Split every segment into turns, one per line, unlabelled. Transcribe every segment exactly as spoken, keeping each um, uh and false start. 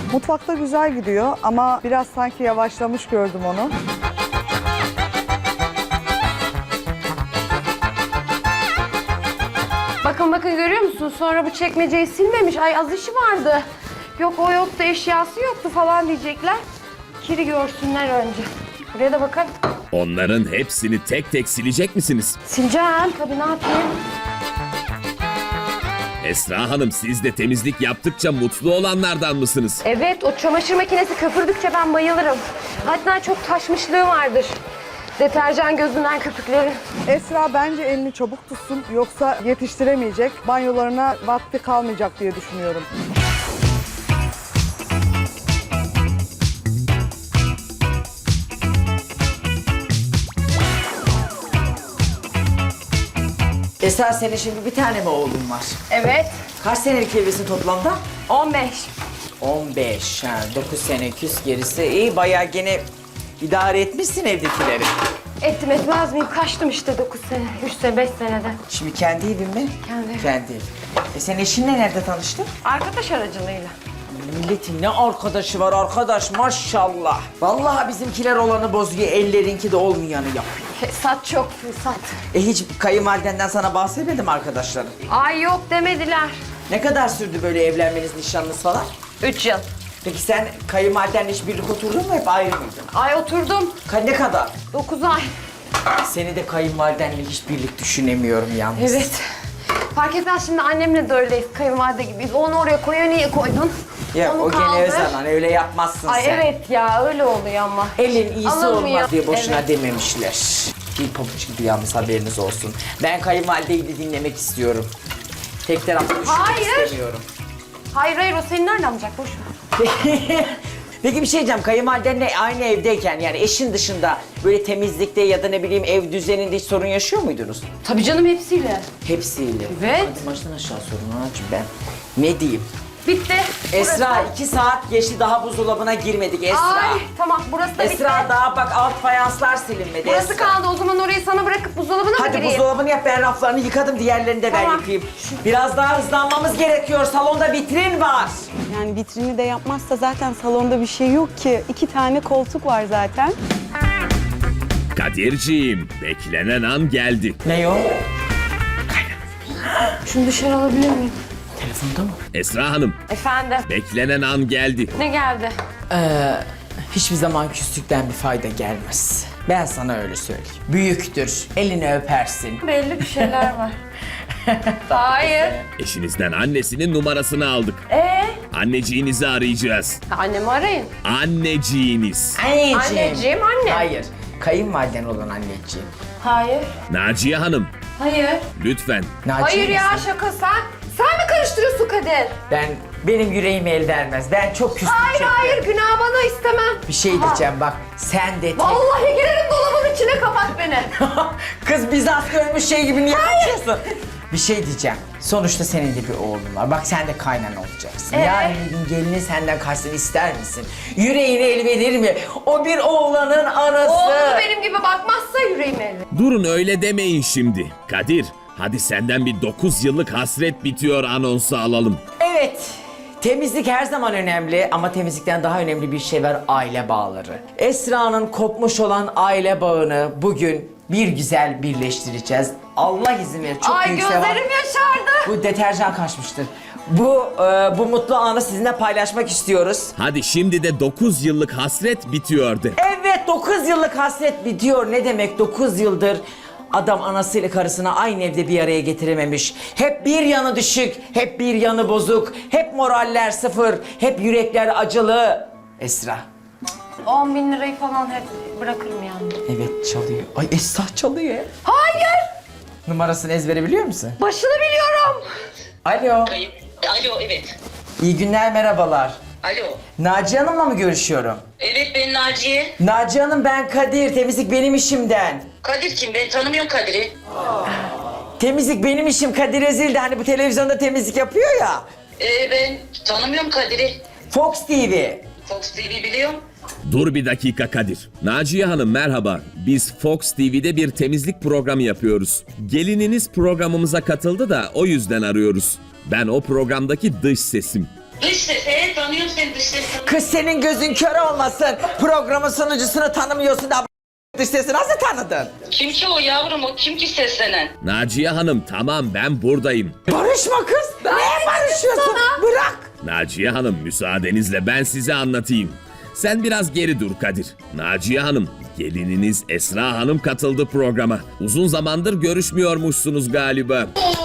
Mutfakta güzel gidiyor ama biraz sanki yavaşlamış gördüm onu.
Bakın bakın görüyor musun? Sonra bu çekmeceyi silmemiş. Ay az işi vardı. Yok o yoktu, eşyası yoktu falan diyecekler. Kiri görsünler önce. Buraya da bakın.
Onların hepsini tek tek silecek misiniz?
Sileceğim tabii, ne yapayım?
Esra Hanım, siz de temizlik yaptıkça mutlu olanlardan mısınız?
Evet, o çamaşır makinesi köpürdükçe ben bayılırım. Hatta çok taşmışlığı vardır. Deterjan gözünden köpükleri.
Esra bence elini çabuk tutsun yoksa yetiştiremeyecek. Banyolarına vakti kalmayacak diye düşünüyorum.
Esra, senin şimdi bir tane mi oğlun var?
Evet,
Kaç senelik evlisin toplamda?
on beş.
on beş. Ha, dokuz sene küs gerisi. İyi, bayağı gene idare etmişsin evdekileri.
Ettim etmez miyim? Kaçtım işte dokuz sene, üç sene, beş senede.
Şimdi kendi evin mi?
Kendi evim.
Kendi evin. E sen eşinle nerede tanıştın?
Arkadaş aracılığıyla.
Milletin ne arkadaşı var arkadaş, maşallah. Vallahi bizimkiler olanı bozuyor, ellerinki de olmayanı yapıyor.
Fesat çok fesat.
E hiç kayınvalidenden sana bahsetmedim arkadaşların.
Ay yok demediler.
Ne kadar sürdü böyle evlenmeniz, nişanınız falan?
Üç yıl.
Peki sen kayınvalidenle hiç birlik oturdun mu, hep ayrı mıydın?
Ay oturdum.
Ka- Ne kadar?
Dokuz ay.
Seni de kayınvalidenle hiç birlik düşünemiyorum yalnız.
Evet. Fark etmez, şimdi annemle de öyleyiz, kayınvalide gibiyiz. Onu oraya koyuyor, niye koydun?
Ya
Onu
o gene
kaldır.
o zaman öyle yapmazsın
Ay
sen.
evet ya, öyle oluyor ama.
Elin iyisi
Alınmıyor.
olmaz diye boşuna
Evet.
dememişler. Bir pabuç gibi yalnız, haberiniz olsun. Ben kayınvalideyi de dinlemek istiyorum. Tek taraflı düşünmek
Hayır.
istemiyorum.
Hayır hayır, o seni nereden alacak, boş ver.
Peki bir şey diyeceğim, kayınvalidenle aynı evdeyken yani eşin dışında böyle temizlikte ya da ne bileyim ev düzeninde hiç sorun yaşıyor muydunuz?
Tabii canım, hepsiyle.
Hepsiyle.
Evet.
Hadi baştan aşağı sorun anacığım ben. Ne diyeyim?
Bitti.
Esra
Burası.
iki saat geçti, daha buzdolabına girmedik Esra.
Ay tamam, burası da bitti.
Esra daha bak alt fayanslar silinmedi.
Burası
Esra.
kaldı, o zaman orayı sana bırakıp buzdolabına mı
Hadi
gireyim?
buzdolabını yap, ben raflarını yıkadım, diğerlerini de ben
Tamam.
yıkayayım. Biraz daha hızlanmamız gerekiyor, salonda vitrin var.
Yani vitrini de yapmazsa zaten salonda bir şey yok ki. İki tane koltuk var zaten.
Kadirciğim, beklenen an geldi.
Ne o?
Şunu dışarı alabilir miyim?
Telefonda mı?
Esra Hanım,
Efendim,
beklenen an geldi.
ne geldi?
Ee, hiçbir zaman küslükten bir fayda gelmez. Ben sana öyle söyleyeyim. Büyüktür, elini öpersin.
Belli bir şeyler var. Hayır.
Eşinizden annesinin numarasını aldık.
Ee?
Anneciğinizi arayacağız.
Annemi arayın.
Anneciğiniz.
Anneciğim.
Anneciğim, anne.
Hayır, kayınvaliden olan anneciğim.
Hayır.
Naciye Hanım,
Hayır.
lütfen.
Naciye
Hayır ya,
misin?
şaka sen. Sen mi karıştırıyorsun Kadir?
Ben, benim yüreğim el vermez. Ben çok küslük
Hayır
çektim.
hayır, günah bana, istemem.
Bir şey
Aha.
diyeceğim bak, sen de tek...
Vallahi girerim dolabın içine, kapat beni.
Kız Bizans görmüş şey gibi niye konuşuyorsun? Bir şey diyeceğim. Sonuçta senin de bir oğlun var. Bak sen de kaynan olacaksın.
Ee?
Yarın bir gün gelini senden kaçsın ister misin? Yüreğine el verir mi? O bir oğlanın anası.
Oğlum benim gibi bakmazsa yüreğim elli.
Durun öyle demeyin şimdi. Kadir, hadi senden bir dokuz yıllık hasret bitiyor anonsu alalım.
Evet. Temizlik her zaman önemli ama temizlikten daha önemli bir şey var, aile bağları. Esra'nın kopmuş olan aile bağını bugün bir güzel birleştireceğiz. Allah izin verir. Çok
Ay
büyük sevap.
gözlerim yaşardı.
Bu deterjan kaçmıştır. Bu e, bu mutlu anı sizinle paylaşmak istiyoruz.
Hadi şimdi de dokuz yıllık hasret bitiyor de.
Evet, dokuz yıllık hasret bitiyor. Ne demek dokuz yıldır adam anasıyla karısını aynı evde bir araya getirememiş. Hep bir yanı düşük, hep bir yanı bozuk, hep moraller sıfır, hep yürekler acılı. Esra.
on bin lirayı falan hep bırakırım yani.
Evet, çalıyor. Ay Esra çalıyor.
Hayır.
Numarasını ezbere biliyor musun?
Başını biliyorum.
Alo.
Kayıp. Alo, evet.
İyi günler, merhabalar.
Alo.
Naciye Hanım'la mı görüşüyorum?
Evet, ben Naciye.
Naciye Hanım, ben Kadir. Temizlik benim işimden.
Kadir kim? Ben tanımıyorum Kadir'i.
Temizlik benim işim, Kadir Ezildi. Hani bu televizyonda temizlik yapıyor ya.
Ee, ben tanımıyorum Kadir'i.
Fox T V.
Fox T V biliyorum.
Dur bir dakika Kadir. Naciye Hanım merhaba. Biz Fox T V'de bir temizlik programı yapıyoruz. Gelininiz programımıza katıldı da o yüzden arıyoruz. Ben o programdaki dış sesim.
Dış ses, evet tanıyorum. tanıyorum seni dış ses tanıyorum.
Kız senin gözün kör olmasın. Programın sunucusunu tanımıyorsun da dış sesi nasıl tanıdın?
Kim ki o yavrum o kim ki seslenen?
Naciye Hanım tamam ben buradayım.
Barışma kız. Neye barışıyorsun? Bırak.
Naciye Hanım müsaadenizle ben size anlatayım. Sen biraz geri dur Kadir. Naciye Hanım, gelininiz Esra Hanım katıldı programa. Uzun zamandır görüşmüyormuşsunuz galiba.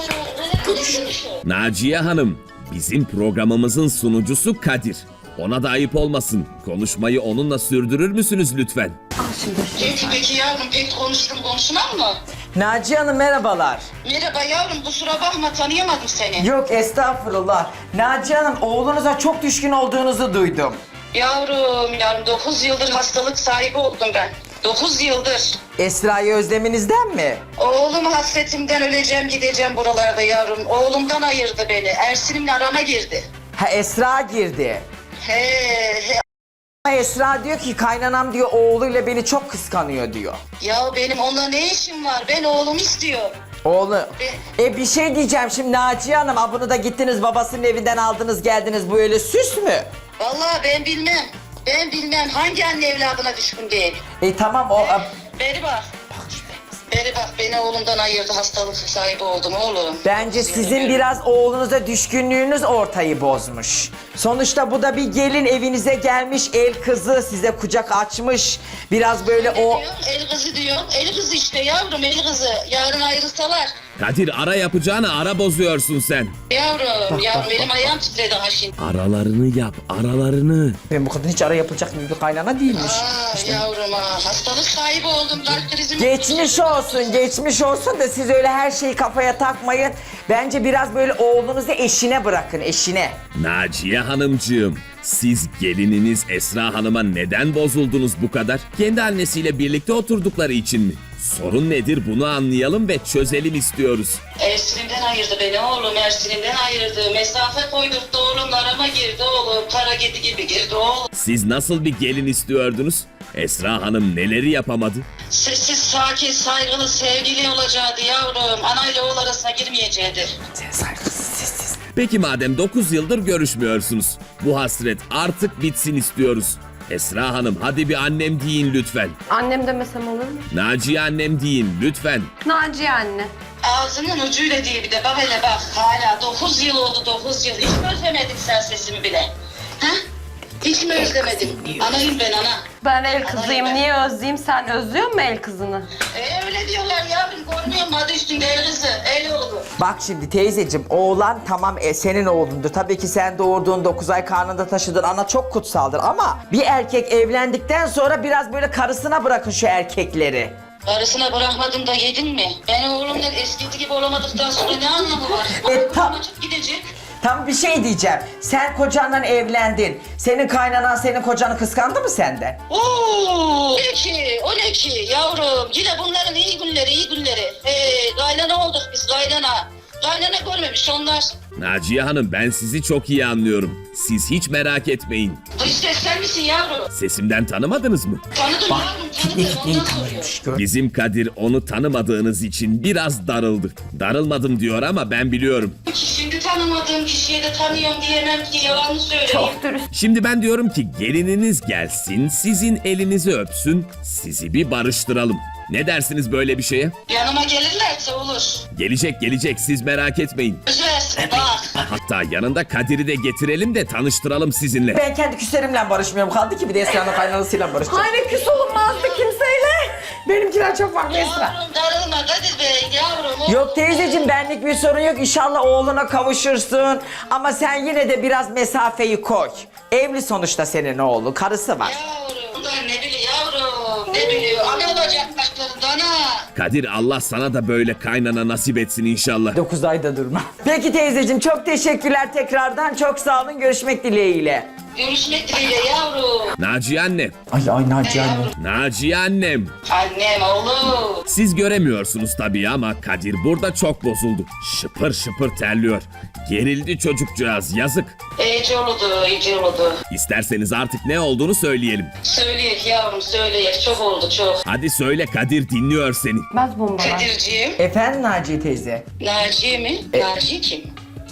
Naciye Hanım, bizim programımızın sunucusu Kadir. Ona da ayıp olmasın. Konuşmayı onunla sürdürür müsünüz lütfen?
Kim ki peki yavrum pek konuştum konuşmam mı?
Naciye Hanım merhabalar.
Merhaba yavrum kusura bakma tanıyamadım seni.
Yok estağfurullah. Naciye Hanım oğlunuza çok düşkün olduğunuzu duydum.
Yavrum yavrum dokuz yıldır hastalık sahibi oldum ben. dokuz yıldır.
Esra'yı özleminizden mi?
Oğlum hasretimden öleceğim gideceğim buralarda yavrum. Oğlumdan ayırdı beni. Ersin'imle arama girdi.
Ha Esra girdi.
He he.
Ama Esra diyor ki kaynanam diyor oğluyla beni çok kıskanıyor diyor.
Ya benim onunla ne işim var? Ben oğlum istiyor.
Oğlu. E bir şey diyeceğim şimdi Naciye Hanım. Ha bunu da gittiniz babasının evinden aldınız geldiniz. Bu öyle süs mü?
Vallahi ben bilmem. Ben bilmem hangi anne evladına düşkün değil.
E tamam o...
Beri bak. Beri bak beni oğlumdan ayırdı hastalık sahibi oldum oğlum.
Bence sizin biraz oğlunuza düşkünlüğünüz ortayı bozmuş. Sonuçta bu da bir gelin evinize gelmiş, el kızı size kucak açmış. Biraz böyle
Ne
o...
diyorsun? El kızı diyorsun. El kızı işte yavrum el kızı. Yarın ayrılsalar.
Kadir ara yapacağını ara bozuyorsun sen.
Yavrum yavrum benim ayağım titredi ha şimdi.
Aralarını yap, aralarını.
Ben bu kadın hiç ara yapılacak gibi bir kaynana değilmiş.
Aa yavrum ha hastalık sahibi oldum kalp krizim.
Geçmiş olsun, geçmiş olsun da siz öyle her şeyi kafaya takmayın. Bence biraz böyle oğlunuzu eşine bırakın, eşine.
Naciye Hanımcığım, siz gelininiz Esra Hanım'a neden bozuldunuz bu kadar? Kendi annesiyle birlikte oturdukları için mi? Sorun nedir bunu anlayalım ve çözelim istiyoruz.
Ersin'imden ayırdı beni oğlum Ersin'imden ayırdı. Mesafe koydurttu oğlum arama girdi oğlum. Kara kedi gibi girdi oğlum.
Siz nasıl bir gelin istiyordunuz? Esra Hanım neleri yapamadı?
Sessiz, sakin, saygılı, sevgili olacaktı yavrum. Anayla oğul arasına girmeyecekti.
Sen saygısız, sessiz.
Peki madem dokuz yıldır görüşmüyorsunuz. Bu hasret artık bitsin istiyoruz. Esra Hanım hadi bir annem deyin lütfen.
Annem demesem olur mu?
Naciye annem deyin lütfen.
Naciye anne.
Ağzının ucuyla diye bir de bak hele bak. Hala dokuz yıl oldu dokuz yıl. Hiç mi özlemedin sen sesimi bile? Ha? Hiç mi özlemedin? Anayım ben ana.
Ben el kızıyım. Niye özleyeyim? Sen özlüyor musun el kızını?
E öyle diyorlar yavrum. Görmüyor musun adı üstünde el kızı, el oğlu.
Bak şimdi teyzeciğim oğlan tamam e, senin oğlundur. Tabii ki sen doğurduğun dokuz ay karnında taşıdın ana çok kutsaldır ama bir erkek evlendikten sonra biraz böyle karısına bırakın şu erkekleri.
Karısına bırakmadım da yedin mi? Ben oğlumla eskisi gibi olamadıktan sonra ne anlamı var?
E,
Bana
tam-
açıp gidecek.
Tam bir şey diyeceğim. Sen kocanla evlendin. Senin kaynanan senin kocanı kıskandı mı senden?
Oo, ne ki, o ne ki yavrum? Yine bunların iyi günleri, iyi günleri. Ee, kaynana olduk biz, kaynana. Kaynana görmemiş onlar.
Naciye Hanım ben sizi çok iyi anlıyorum. Siz hiç merak etmeyin.
Dış ses sen misin yavrum?
Sesimden tanımadınız mı?
Tanıdım yavrum, tanıdım. Ondan soruyorum.
Bizim Kadir onu tanımadığınız için biraz darıldı. Darılmadım diyor ama ben biliyorum.
Şimdi tanımadığım kişiye de tanıyorum diyemem ki, yalan mı söyleyeyim?
Çok dürüst.
Şimdi ben diyorum ki gelininiz gelsin, sizin elinizi öpsün, sizi bir barıştıralım. Ne dersiniz böyle bir şeye?
Yanıma gelirlerse olur.
Gelecek gelecek siz merak etmeyin.
Söz versin bak.
Hatta yanında Kadir'i de getirelim de tanıştıralım sizinle.
Ben kendi küslerimle barışmıyorum. Kaldı ki bir de Esra'nın kaynanasıyla barışacağım.
Hayır küs olunmazdı kimseyle.
Benimkiler çok farklı Esra.
Yavrum darılma Kadir Bey yavrum.
Yok teyzeciğim benlik bir sorun yok. İnşallah oğluna kavuşursun. Ama sen yine de biraz mesafeyi koy. Evli sonuçta senin oğlu. Karısı var.
Yavrum bunlar ne biliyor yavrum? Ne biliyor? Ana olacak başlarında ana.
Kadir Allah sana da böyle kaynana nasip etsin inşallah.
dokuz ayda durma. Peki teyzeciğim çok teşekkürler tekrardan. Çok sağ olun. Görüşmek dileğiyle.
Görüşmek dileğiyle yavrum.
Naciye anne,
Ay ay Naciye anne.
Naciye annem.
Annem oğlum.
Siz göremiyorsunuz tabii ama Kadir burada çok bozuldu. Şıpır şıpır terliyor. Gerildi çocukcağız yazık.
İyice oldu, iyice oldu.
İsterseniz artık ne olduğunu söyleyelim.
Söyleyek yavrum söyleyek. Çok oldu çok.
Hadi söyle Kadir dinliyor seni.
Baz bombalar.
Kadir'ciğim.
Efendim Naciye teyze.
Naciye mi?
E-
Naciye kim?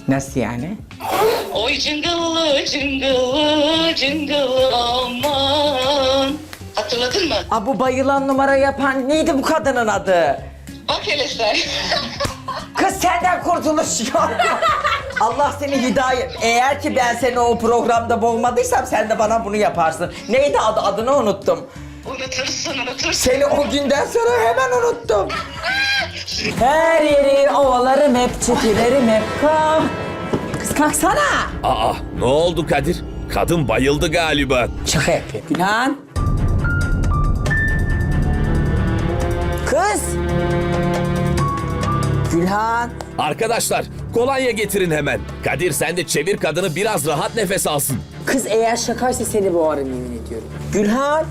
Nasıl yani?
Oy cıngıllı cıngıllı cıngıllı aman. Hatırladın mı?
Aa, bu bayılan numara yapan neydi bu kadının adı?
Bak hele sen.
Kız senden kurtuluş yok. Allah seni hidayet... Eğer ki ben seni o programda boğmadıysam sen de bana bunu yaparsın. Neydi adı? Adını unuttum.
Unutursun unutursun.
Seni o günden sonra hemen unuttum. Her yeri ovalarım hep, çetilerim hep. Kalk. Kız kalksana.
Aa, ne oldu Kadir? Kadın bayıldı galiba.
Şaka yapıyor. Gülhan. Kız. Gülhan.
Arkadaşlar, kolonya getirin hemen. Kadir sen de çevir kadını, biraz rahat nefes alsın.
Kız eğer şakaysa seni boğarım yemin ediyorum. Gülhan.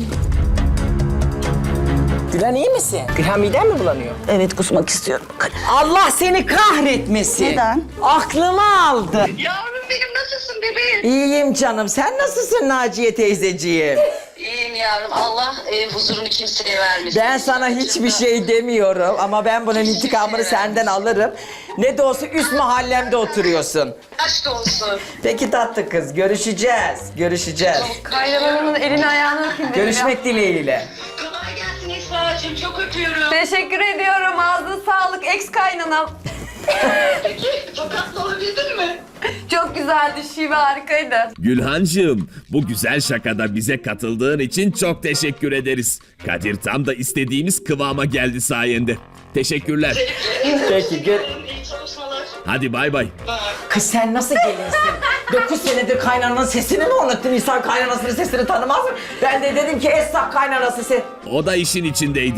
Gülhan iyi misin? Gülhan miden mi bulanıyor?
Evet, kusmak istiyorum.
Allah seni kahretmesin.
Neden?
Aklımı aldı.
Yavrum benim nasılsın bebeğim?
İyiyim canım. Sen nasılsın Naciye teyzeciğim?
İyiyim yavrum. Allah e, huzurunu kimseye vermesin.
Ben sana hiçbir şey demiyorum ama ben bunun intikamını senden alırım. Ne de olsa üst mahallemde oturuyorsun.
Aşk olsun.
Peki tatlı kız, görüşeceğiz. Görüşeceğiz.
Kaynanamın elini ayağını öpeyim dedim ya.
Görüşmek dileğiyle.
Kolay gelsin Esra'cığım. Çok öpüyorum.
Teşekkür ediyorum. Ağzına sağlık. Ex kaynanam.
Peki tokatlı olabildin mi?
Çok güzeldi. Şive harikaydı.
Gülhancığım, bu güzel şakada bize katıldığın için çok teşekkür ederiz. Kadir tam da istediğimiz kıvama geldi sayende. Teşekkürler.
Peki, gör...
İyi çalışmalar.
Hadi bay bay.
Kız sen nasıl gelinsin? Dokuz senedir kaynananın sesini mi unuttun? İnsan kaynanasının sesini tanımaz mı? Ben de dedim ki Esra kaynanası ses.
O da işin içindeydi.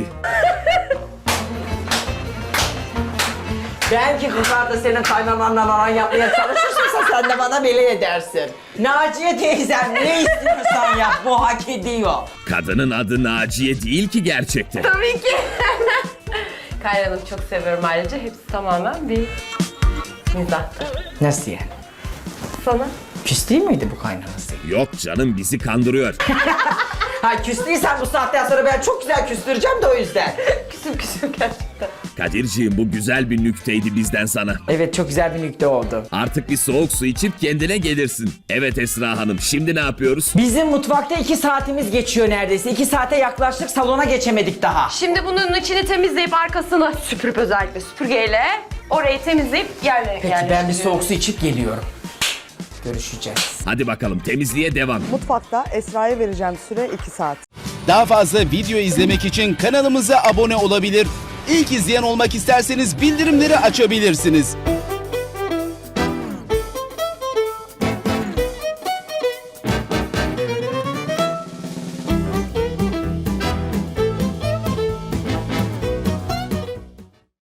Belki kızlar da senin kaynananla aran yapmaya çalışırsa sen de bana beli edersin. Naciye teyzem ne istiyorsan yap, bu hak ediyor.
Kadının adı Naciye değil ki gerçekten.
Tabii ki. Kaynanamı çok seviyorum ayrıca. Hepsi tamamen bir mizahtı.
Nasıl yani?
Sana?
Küs değil miydi bu kaynanası?
Yok canım, bizi kandırıyor.
Ha küs değilsen bu saatten sonra ben çok güzel küstüreceğim de o yüzden.
Küsüm küsüm gerçekten.
Kadirciğim, bu güzel bir nükteydi bizden sana.
Evet çok güzel bir nükte oldu.
Artık bir soğuk su içip kendine gelirsin. Evet Esra Hanım, şimdi ne yapıyoruz?
Bizim mutfakta iki saatimiz geçiyor neredeyse. İki saate yaklaştık, salona geçemedik daha.
Şimdi bunun içini temizleyip arkasını süpürüp özellikle süpürgeyle orayı temizleyip yerlere
Peki ben bir soğuk su içip geliyorum. Görüşeceğiz.
Hadi bakalım, temizliğe devam.
Mutfakta Esra'ya vereceğim süre iki saat.
Daha fazla video izlemek için kanalımıza abone olabilir. İlk izleyen olmak isterseniz bildirimleri açabilirsiniz.